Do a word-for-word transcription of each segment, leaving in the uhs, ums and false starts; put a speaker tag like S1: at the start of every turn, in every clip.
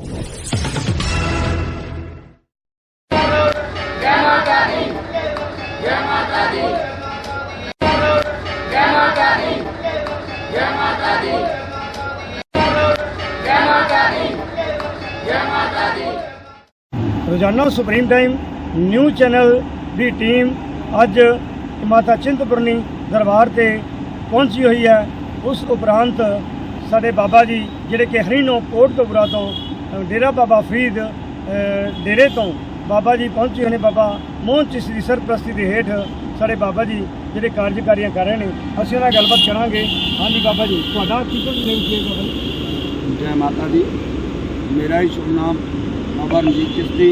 S1: रोजाना supreme time news channel की team अज माता चिंतपूर्णी दरबार से पहुंची हुई है। उस उपरांत साडे बाबा जी जिहड़े कि हरिनो कोटकपुरा तो डेरा बाबा फरीद डेरे तो बाबा जी पहुंचे हुए हैं। बाबा मोहन चिश्ती की सरप्रस्ती के हेठ साडे बाबा जी जिहड़े कार्यकारियां कर रहे हैं, असीं उहनां नाल गलबात करांगे। हाँ जी बाबा जी, तुहाडा की कुछ नेम की बाबा जी?
S2: जय माता दी। मेरा ही शुभ नाम बाबा रणजीत चिश्ती,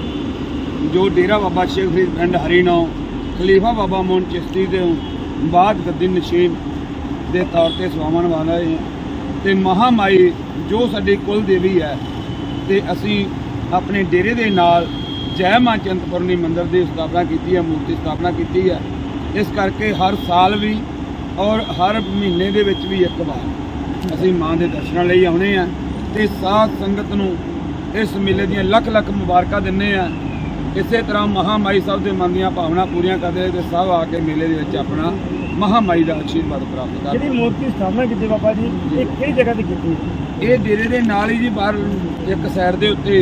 S2: जो डेरा बाबा शेख फरीद पिंड हरिनौ खलीफा बाबा मोहन चिश्ती के बाद गद्दी नशीन के तौर पर सवावन वाले हैं। तो महामाई जो साडी कुल देवी है, तो असी अपने डेरे के नाल जय मां चिंतपूर्णी मंदिर की स्थापना की है, मूर्ति स्थापना की है। इस करके हर साल भी और हर महीने के विच भी एक बार असी मां के दर्शनों लिए आने हैं। तो साध संगत नूं इस मेले दी लख लख मुबारक दिंदे हैं। इस तरह महामाई सब के मन दी भावना पूरियां करते तो सब आके मेले के अपना महामाई का आशीर्वाद प्राप्त कर।
S1: जी मूर्ति स्थापना की बाबा जी, ये किहड़ी जगह ते कीती?
S2: ये डेरे के नाल ही जी बाहर एक साइड के उत्ते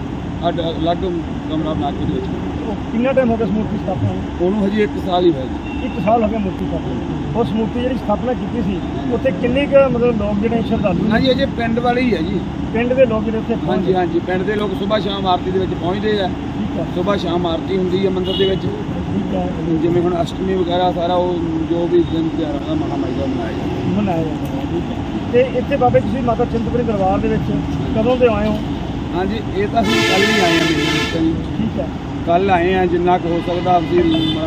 S2: अलग कमरा बना के
S1: कितना टाइम हो गया मूर्ति स्थापना?
S2: उन्होंने हजी एक साल ही है जी।
S1: एक साल हो गया मूर्ति स्थापना। उस मूर्ति जी स्थापना की सी उत्थे किन्ने क मतलब लोग जिहड़े श्रद्धालु?
S2: हाँ जी, अजे पिंड वाले ही है जी।
S1: पिंड के लोग जिहड़े उत्थे?
S2: हाँ जी, हाँ जी, पिंड के लोग सुबह शाम आरती के पहुँचते हैं। सुबह शाम आरती होंगी है मंदिर के जिमें हुण अष्टमी वगैरह सारा वो जो भी दिन त्यौहार है महामाई का मनाया जाता
S1: मनाया जाता है। तो इतने बाबे तुसीं माता चिंतपूर्णी दरबार के कदों के आए हो?
S2: हाँ जी, ये तो असं कल ही आए हैं।
S1: ठीक है,
S2: कल आए हैं, जिन्ना हो सकता अभी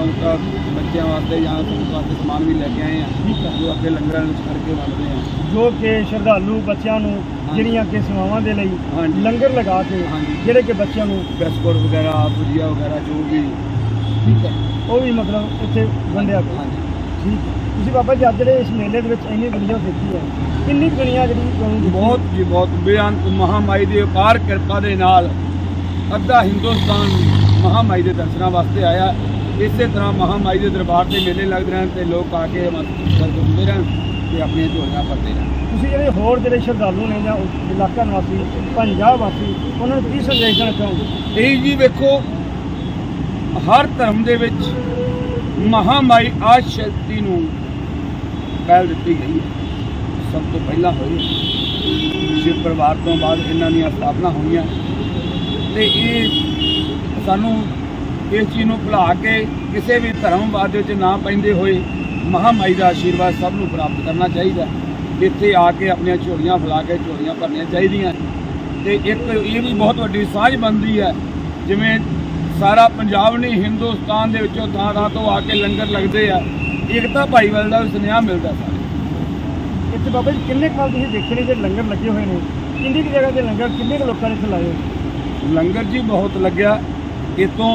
S2: बच्चों वास्ते या वास्ते समान भी लेके आए हैं जो अगे लंगर करके बनते हैं,
S1: जो कि श्रद्धालु बच्चों ਜਿਹੜੀਆਂ कि सेवावां दे लई लंगर लगा के ਜਿਹੜੇ कि बच्चों
S2: बिस्कुट वगैरह भुजिया वगैरह जो भी ठीक है
S1: वो भी मतलब इत्थे वंडिया। हाँ जी, ठीक है। तुसीं बाबा जी अज ਜਿਹੜੇ इस मेले ਦੇ ਵਿੱਚ ਇੰਨੀ ਦੁਨੀਆ देखी है, किन्नी दुनिया ਜਿਹੜੀ?
S2: बहुत जी बहुत बेअंत महामाई की अपार कृपा के नाल अद्धा हिंदुस्तान महामाई के दर्शनों वास्ते आया। इस तरह महामाई के दरबार से मेले लगते रहन ते लोग आके घूमते रहन ते अपनी झोलियां भरते रहन।
S1: तुसीं ਜਿਹੜੇ होर ਜਿਹੜੇ श्रद्धालु ने ਜਾਂ इलाका निवासी पंजाब वासी उन्होंने की संदेश देना चाहोगे?
S2: यही जी वेखो, हर धर्म के विच महामाई आदि शक्ति नूं पहल दी गई है। सब तो पहला होई शिव परिवार तो बाद इन्हां दी स्थापना हुई है। तो ये सानू इस चीज़ नूं भुला के किसी भी धर्मवाद विच ना पैंदे होए महामाई का आशीर्वाद सब नूं प्राप्त करना चाहिए। इत्थे आके अपनी झोलियां फैला के झोलियां भरनियां चाहिए। तो एक ये भी बहुत वड्डी साझ बनती है, जिमें सारा पंजाब नहीं हिंदुस्तान के विचों थां थां तो आके लंगर लगते हैं, एकता भाईवाल का भी सुनेहा मिलता सारे।
S1: इत्थे बाबा जी किन्ने काल तुसीं देखे ने जो लंगर लगे हुए हैं, किन्नी की जगह के लंगर किन्ने के लोगों ने इत्थे लाए?
S2: लंगर जी बहुत लग्या। इतों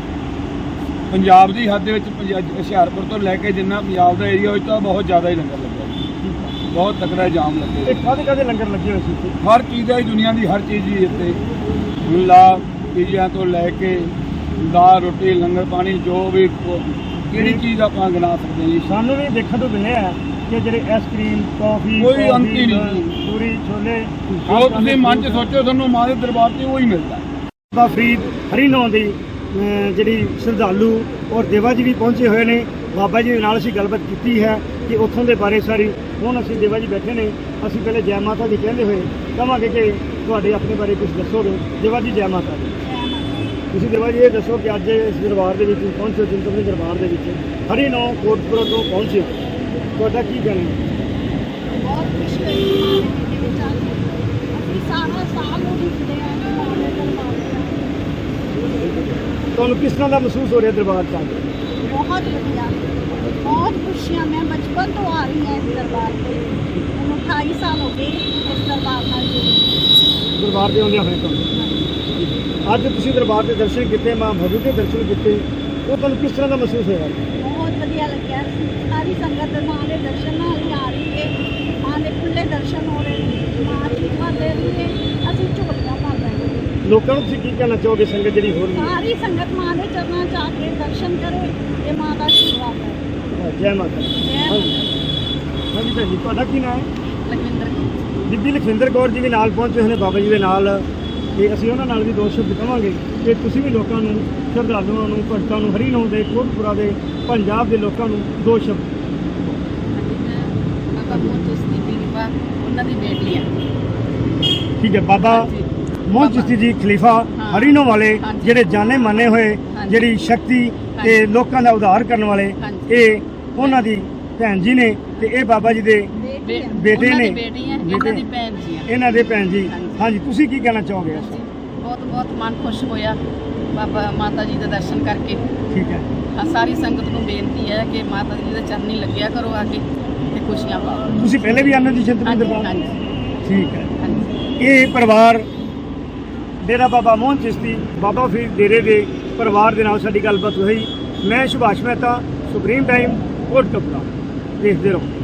S2: पंजाब की हद हुशियारपुर तो लैके जिन्ना पंजाब का एरिया तो बहुत ज़्यादा ही लंगर लगे, बहुत तकड़ा जाम लगे।
S1: कादे कादे लंगर लगे हुए थे?
S2: हर चीज़ है दुनिया की, हर चीज़ ही इतने ला चीज़ों तो लैके दाल रोटी लंगर पानी जो भी किहड़ी चीज़ आप गिना सकते हैं जी।
S1: सानू भी देखने तो मिले है कि जेह्ड़े आइसक्रीम कॉफी
S2: कोई अंत ही नहीं,
S1: पूरी छोले
S2: जो तुसीं मन च सोचो तुहानूं मां दे दरबार से वही मिलता है।
S1: बाबा फरीद हरिनौ दी जिहड़ी श्रद्धालु और देवा जी भी पहुंचे हुए हैं। बाबा जी नाल असीं गलबात की है कि उत्थों के बारे सारी। हुण असीं देवा जी बैठे ने, असीं पहले जय माता दी कहते हुए कहांगे कि तुहाडे अपने बारे कुछ दसोगे। देवा जी जय माता दी। तुसीं देवा जी ये दसो कि अज इस दरबार के पहुंचे चिंतपूर्णी दरबार के हरिनौ कोटपुरा तो पहुंचे, तुहाडा की कहना है?
S3: बहुत खुशी हुई सारा साल
S1: तुहानूं किस तरह का महसूस हो रहा दरबार से?
S3: बहुत बढ़िया, बहुत खुशियाँ। मैं बचपन तो आ रही हैं इस दरबार से, अठाई साल हो गए इस दरबार में
S1: दरबार से आउंदे होए तुहानूं। अज तुसीं दरबार के दर्शन किए, मां भगवती के दर्शन किए, वो तुहानूं किस तरह का महसूस होया?
S3: बहुत बढ़िया लग्या। सारी संगत मां के दर्शन नाल ही आ रही है, मां के खुले दर्शन हो रहे हैं, मां आशीर्वाद दे रही है, असीं झोलियां भर रहे हैं।
S1: ਲੋਕਾਂ ਨੂੰ ਤੁਸੀਂ ਕੀ ਕਹਿਣਾ ਚਾਹੋਗੇ ਸੰਗਤ ਜਿਹੜੀ ਹੋਰ ਵੀ ਹੈ?
S3: ਸਾਰੀ ਸੰਗਤ ਮਾਂ ਦੇ ਚਰਨਾਂ 'ਚ ਆ ਕੇ ਦਰਸ਼ਨ ਕਰੇ ਤੇ ਮਾਂ ਦਾ ਆਸ਼ੀਰਵਾਦ ਲੈ।
S1: ਜੈ ਮਾਤਾ ਦੀ।
S3: ਜੈ
S1: ਹਾਂਜੀ
S3: ਮਾਤਾ
S1: ਹਾਂਜੀ ਭੈਣ ਜੀ, ਤੁਹਾਡਾ ਕੀ ਨਾਮ ਹੈ?
S3: ਲਖਵਿੰਦਰ
S1: ਬੀਬੀ ਲਖਵਿੰਦਰ ਕੌਰ ਜੀ ਵੀ ਨਾਲ ਪਹੁੰਚੇ ਹੋਏ ਨੇ ਬਾਬਾ ਜੀ ਦੇ ਨਾਲ, ਤੇ ਅਸੀਂ ਉਹਨਾਂ ਨਾਲ ਵੀ ਦੋ ਸ਼ਬਦ ਕਹਾਂਗੇ ਕਿ ਤੁਸੀਂ ਵੀ ਲੋਕਾਂ ਨੂੰ, ਸ਼ਰਧਾਲੂਆਂ ਨੂੰ, ਭਗਤਾਂ ਨੂੰ, ਹਰੀਨੌਂ ਦੇ, ਕੋਟਪੁਰਾ ਦੇ, ਪੰਜਾਬ ਦੇ ਲੋਕਾਂ ਨੂੰ ਦੋ ਸ਼ਬਦ।
S3: ਬਾਬਾ ਮੋਹਨ ਚਿਸ਼ਤੀ ਖਲੀਫਾ ਉਹਨਾਂ ਦੀ ਬੇਟੀ ਹੈ।
S1: ਠੀਕ ਹੈ, ਬਾਬਾ
S3: ਹਾਂਜੀ।
S1: ਮੋਹਨ ਚਿਸ਼ਤੀ ਜੀ ਖਲੀਫਾ
S3: ਹਾਂ।
S1: ਹਰੀਨੌਂ ਵਾਲੇ,
S3: ਹਾਂਜੀ।
S1: ਜਿਹੜੇ ਜਾਣੇ ਮਾਨੇ ਹੋਏ,
S3: ਹਾਂਜੀ।
S1: ਜਿਹੜੀ ਸ਼ਕਤੀ ਤੇ
S3: ਹਾਂਜੀ।
S1: ਲੋਕਾਂ ਦਾ ਉਧਾਰ ਕਰਨ ਵਾਲੇ,
S3: ਹਾਂਜੀ।
S1: ਇਹ ਉਹਨਾਂ ਦੀ ਭੈਣ ਜੀ ਨੇ, ਤੇ ਇਹ ਬਾਬਾ ਜੀ ਦੇ
S3: ਬੇਟੀ ਹੈ।
S1: ਬੇਟੇ
S4: ਉਹਨਾਂ
S1: ਨੇ,
S4: ਦੀ ਬੇਟੀ ਹੈ,
S1: ਬੇਟੇ।
S4: ਇਹਨਾਂ ਦੀ ਭੈਣ ਜੀ ਹੈ।
S1: ਇਹਨਾਂ ਦੇ ਭੈਣ ਜੀ।
S4: ਹਾਂਜੀ।
S1: ਹਾਂਜੀ, ਤੁਸੀਂ ਕੀ ਕਹਿਣਾ ਚਾਹੋਗੇ ਇਸ?
S4: ਬਹੁਤ ਬਹੁਤ ਮਨ ਖੁਸ਼ ਹੋਇਆ ਬਾਬਾ ਮਾਤਾ ਜੀ ਦੇ ਦਰਸ਼ਨ ਕਰਕੇ।
S1: ਠੀਕ ਹੈ,
S4: ਆ ਸਾਰੀ ਸੰਗਤ ਨੂੰ ਬੇਨਤੀ ਹੈ ਕਿ ਮਾਤਾ ਜੀ ਦੇ ਚਰਨੀ ਲੱਗਿਆ ਕਰੋ ਆ ਕੇ ਤੇ ਖੁਸ਼ੀਆਂ ਪਾਓ।
S1: ਤੁਸੀਂ ਪਹਿਲੇ ਵੀ ਆਨੰਦ ਦੀ ਚਿੰਤਪੁਰਨੀ
S4: ਹਾਂਜੀ
S1: ਦਰਬਾਰ?
S4: ਹਾਂਜੀ
S1: ਠੀਕ ਹੈ।
S4: ਹਾਂਜੀ।
S1: ਇਹ ਪਰਿਵਾਰ ਡੇਰਾ ਬਾਬਾ ਮੋਹਨ ਚਿਸ਼ਤੀ ਬਾਬਾ ਫਰੀਦ ਡੇਰੇ ਦੇ ਪਰਿਵਾਰ ਦੇ ਨਾਲ ਸਾਡੀ ਗੱਲਬਾਤ ਹੋਈ। ਮੈਂ ਸੁਭਾਸ਼ ਮਹਿਤਾ, ਸੁਪਰੀਮ ਟਾਈਮ, ਕੋਟਕਪੂਰਾ। ਦੇਖਦੇ ਰਹੋ।